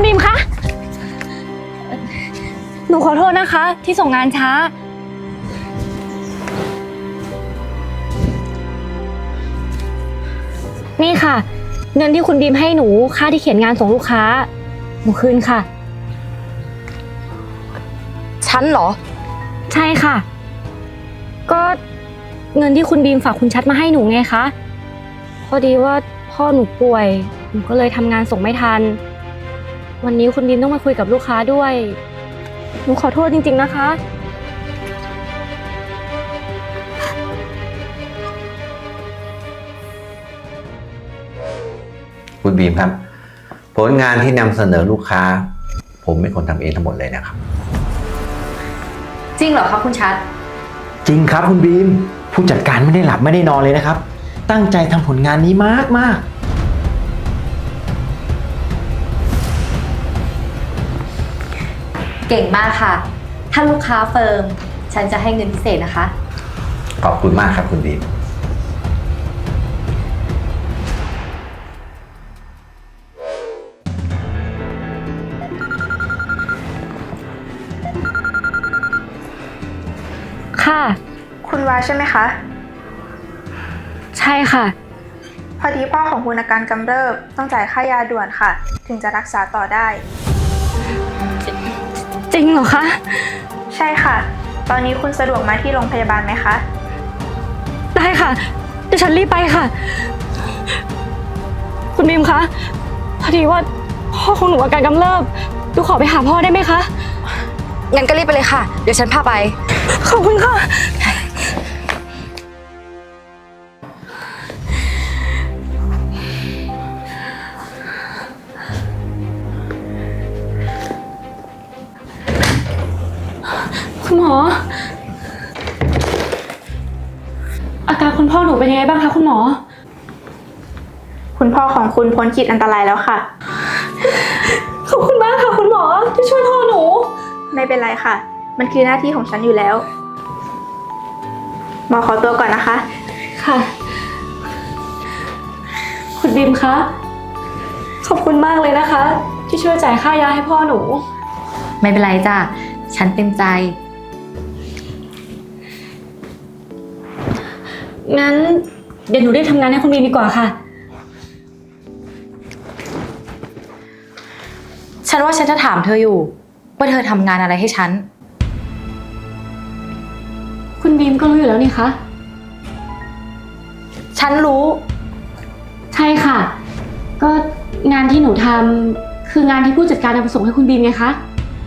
คุณบีมคะหนูขอโทษนะคะที่ส่งงานช้านี่ค่ะเงินที่คุณบีมให้หนูค่าที่เขียนงานส่งลูกค้าหนูคืนค่ะฉันเหรอใช่ค่ะก็เงินที่คุณบีมฝากคุณชัดมาให้หนูไงคะพอดีว่าพ่อหนูป่วยหนูก็เลยทำงานส่งไม่ทันวันนี้คุณบีมต้องมาคุยกับลูกค้าด้วยหนูขอโทษจริงๆนะคะคุณบีมครับผลงานที่นำเสนอลูกค้าผมเป็นคนทำเองทั้งหมดเลยนะครับจริงเหรอคะคุณชัดจริงครับคุณบีมผู้จัดการไม่ได้หลับไม่ได้นอนเลยนะครับตั้งใจทำผลงานนี้มากเก่งมากค่ะถ้าลูกค้าเฟิร์มฉันจะให้เงินพิเศษนะคะขอบคุณมากครับคุณบีมค่ะคุณวาใช่ไหมคะใช่ค่ะพอดีพ่อของคุณอาการกำเริบต้องจ่ายค่ายาด่วนค่ะ ถึงจะรักษาต่อได้จริงเหรอคะใช่ค่ะตอนนี้คุณสะดวกมาที่โรงพยาบาลไหมคะได้ค่ะเดี๋ยวฉันรีบไปค่ะคุณบีมคะพอดีว่าพ่อของหนูอาการกำเริบดูขอไปหาพ่อได้ไหมคะงั้นก็รีบไปเลยค่ะเดี๋ยวฉันพาไปขอบคุณค่ะคุณหมออาการคุณพ่อหนูเป็นยังไงบ้างคะคุณหมอคุณพ่อของคุณพ้นขีดอันตรายแล้วค่ะขอบคุณมากค่ะคุณหมอที่ช่วยพ่อหนูไม่เป็นไรค่ะมันคือหน้าที่ของฉันอยู่แล้วหมอขอตัวก่อนนะคะค่ะคุณบีมคะขอบคุณมากเลยนะคะที่ช่วยจ่ายค่ายาให้พ่อหนูไม่เป็นไรจ้ะฉันเต็มใจงั้นเดี๋ยวหนูได้ทำงานให้คุณบีมดีกว่าค่ะฉันว่าฉันจะถามเธออยู่ว่าเธอทำงานอะไรให้ฉันคุณบีมก็รู้อยู่แล้วนี่คะฉันรู้ใช่ค่ะก็งานที่หนูทำคืองานที่ผู้จัดการนำมาส่งให้คุณบีมไงคะ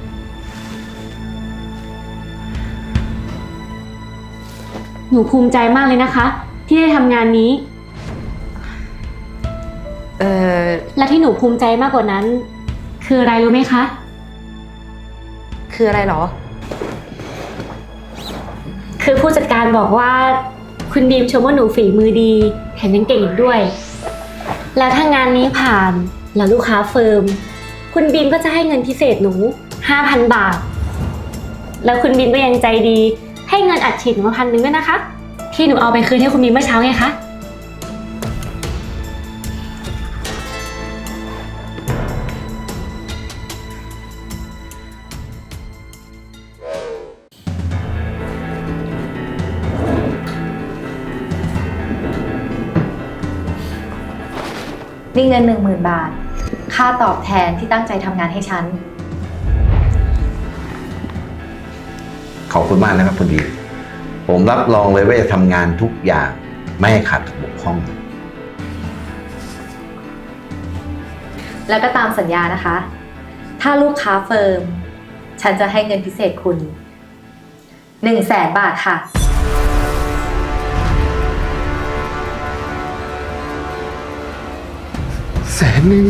หนูภูมิใจมากเลยนะคะที่ได้ทำงานนี้และที่หนูภูมิใจมากกว่านั้นคืออะไรรู้ไหมคะคืออะไรหรอคือผู้จัดการบอกว่าคุณบีมชมว่าหนูฝีมือดีแถมยังเก่งอีกด้วยแล้วถ้างานนี้ผ่านแล้วลูกค้าเฟิร์มคุณบีมก็จะให้เงินพิเศษหนู 5,000 บาทแล้วคุณบีมก็ยังใจดีให้เงินอัดฉีดหนูมา1,000ด้วยนะคะที่หนูเอาไปคืนให้คุณบีมเมื่อเช้าไงคะนี่เงิน 10,000 บาทค่าตอบแทนที่ตั้งใจทำงานให้ฉันขอบคุณมากนะครับคุณบีมผมรับรองเลยว่าจะทำงานทุกอย่างไม่ให้ขาดบกพร่องแล้วก็ตามสัญญานะคะถ้าลูกค้าเฟิร์มฉันจะให้เงินพิเศษคุณ100,000 บาทค่ะ 100,000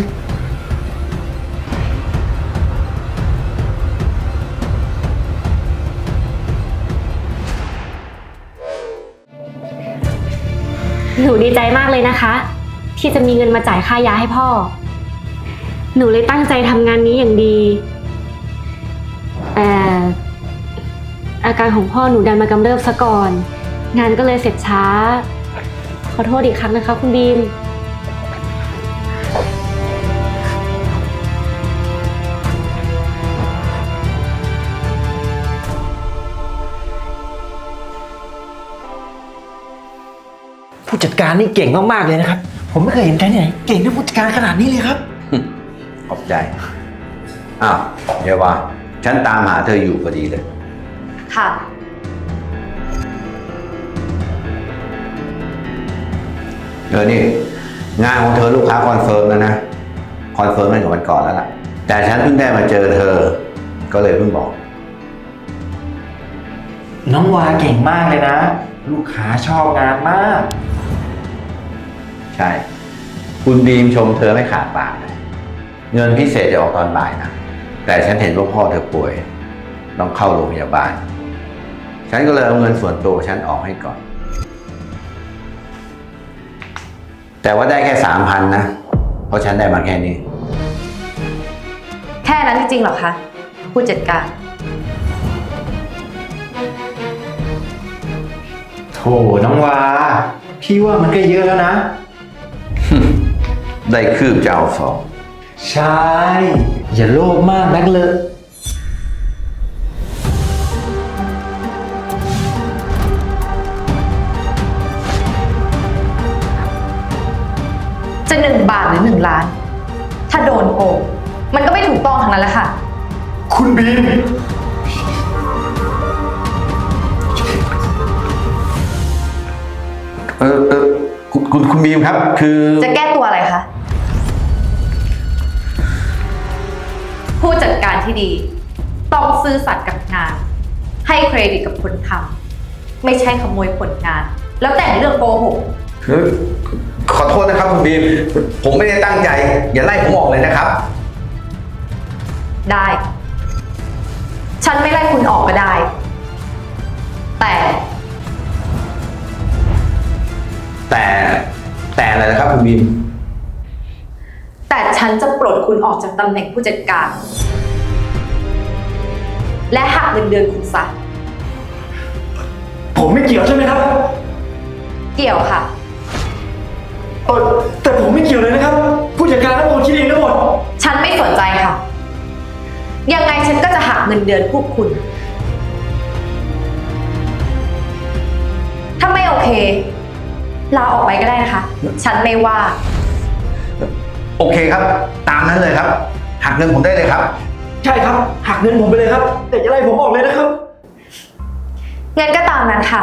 หนูดีใจมากเลยนะคะที่จะมีเงินมาจ่ายค่ายาให้พ่อหนูเลยตั้งใจทำงานนี้อย่างดีแต่อาการของพ่อหนูดันมากำเริบซะก่อนงานก็เลยเสร็จช้าขอโทษอีกครั้งนะคะคุณบีมผู้จัดการนี่เก่งมากๆเลยนะครับ ผมไม่เคยเห็นใครที่ไหนเก่งเรื่องผู้จัดการขนาดนี้เลยครับขอบใจ อ้าวเยาว่าฉันตามหาเธออยู่พอดีเลยค่ะนี่งานของเธอลูกค้าคอนเฟิร์มแล้วนะ คอนเฟิร์มตั้งแต่วันก่อนแล้วล่ะ แต่ฉันเพิ่งได้มาเจอเธอ ก็เลยเพิ่งบอกน้องวาเก่งมากเลยนะ ลูกค้าชอบงานมากใช่ คุณบีมชมเธอไม่ขาดปากเลย เงินพิเศษจะออกตอนบ่ายนะ แต่ฉันเห็นว่าพ่อเธอป่วย ต้องเข้าโรงพยาบาล ฉันก็เลยเอาเงินส่วนตัวฉันออกให้ก่อน แต่ว่าได้แค่ 3,000 นะ เพราะฉันได้มาแค่นี้แค่นั้นจริงๆเหรอคะ ผู้จัดการโถน้องวา พี่ว่ามันก็เยอะแล้วนะได้คืบจะเอาสองใช่ อย่าโลภมากนักเลยจะ1 บาทหรือ1 ล้าน ถ้าโดนโกงมันก็ไม่ถูกต้องทั้งนั้นแหละค่ะคุณบีมคุณบีมครับ คือจะแก้ตัวอะไรคะ ผู้จัดการที่ดี ต้องซื่อสัตย์กับงาน ให้เครดิตกับคนทำไม่ใช่ขโมยผลงาน แล้วแต่งเรื่องโกหกขอโทษนะครับคุณบีม ผมไม่ได้ตั้งใจ อย่าไล่ผมออกเลยนะครับได้ ฉันไม่ไล่คุณออกก็ได้แต่อะไรนะครับคุณบีมแต่ฉันจะปลดคุณออกจากตำแหน่งผู้จัดการ และหักเงินเดือนคุณซะผมไม่เกี่ยวใช่ไหมครับเกี่ยวค่ะแต่ผมไม่เกี่ยวเลยนะครับ ผู้จัดการทั้งหมดคิดเองทั้งหมดฉันไม่สนใจค่ะ ยังไงฉันก็จะหักเงินเดือนพวกคุณ ถ้าไม่โอเค ลาออกไปก็ได้นะคะ ฉันไม่ว่าโอเคครับ ตามนั้นเลยครับ หักเงินผมได้เลยครับใช่ครับ หักเงินผมไปเลยครับ แต่อย่าไล่ผมออกเลยนะครับเงินก็ตามนั้นค่ะ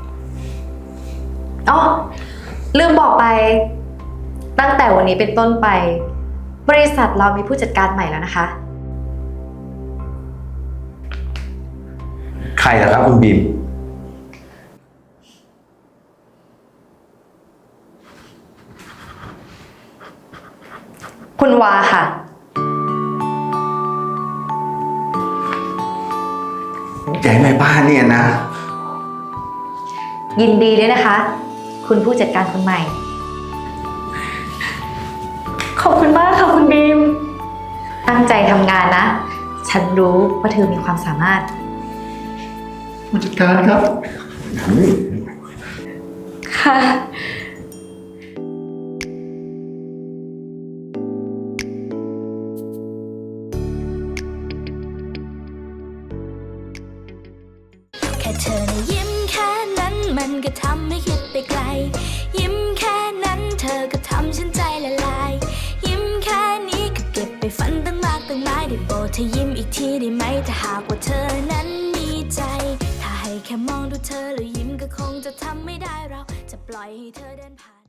อ๋อลืมบอกไป ตั้งแต่วันนี้เป็นต้นไป บริษัทเรามีผู้จัดการใหม่แล้วนะคะใครล่ะครับคุณบีมคุณวาค่ะใจแม่บ้านเนี่ยนะยินดีด้วยนะคะ คุณผู้จัดการคนใหม่ขอบคุณมากค่ะคุณบีมตั้งใจทำงานนะ ฉันรู้ว่าเธอมีความสามารถผู้จัดการครับค่ะแค่เธอนะยิ้มแค่นั้นมันก็ทำให้คิดไปไกล ยิ้มแค่นั้นเธอก็ทำฉันใจละลาย ยิ้มแค่นี้ก็เก็บไปฝันตั้งมากตั้งหลายได้โปรดเธอยิ้มอีกทีได้ไหมถ้าหากว่าเธอนั้นมีใจ ถ้าให้แค่มองดูเธอแล้วยิ้มก็คงจะทำไม่ได้เราจะปล่อยให้เธอเดินผ่าน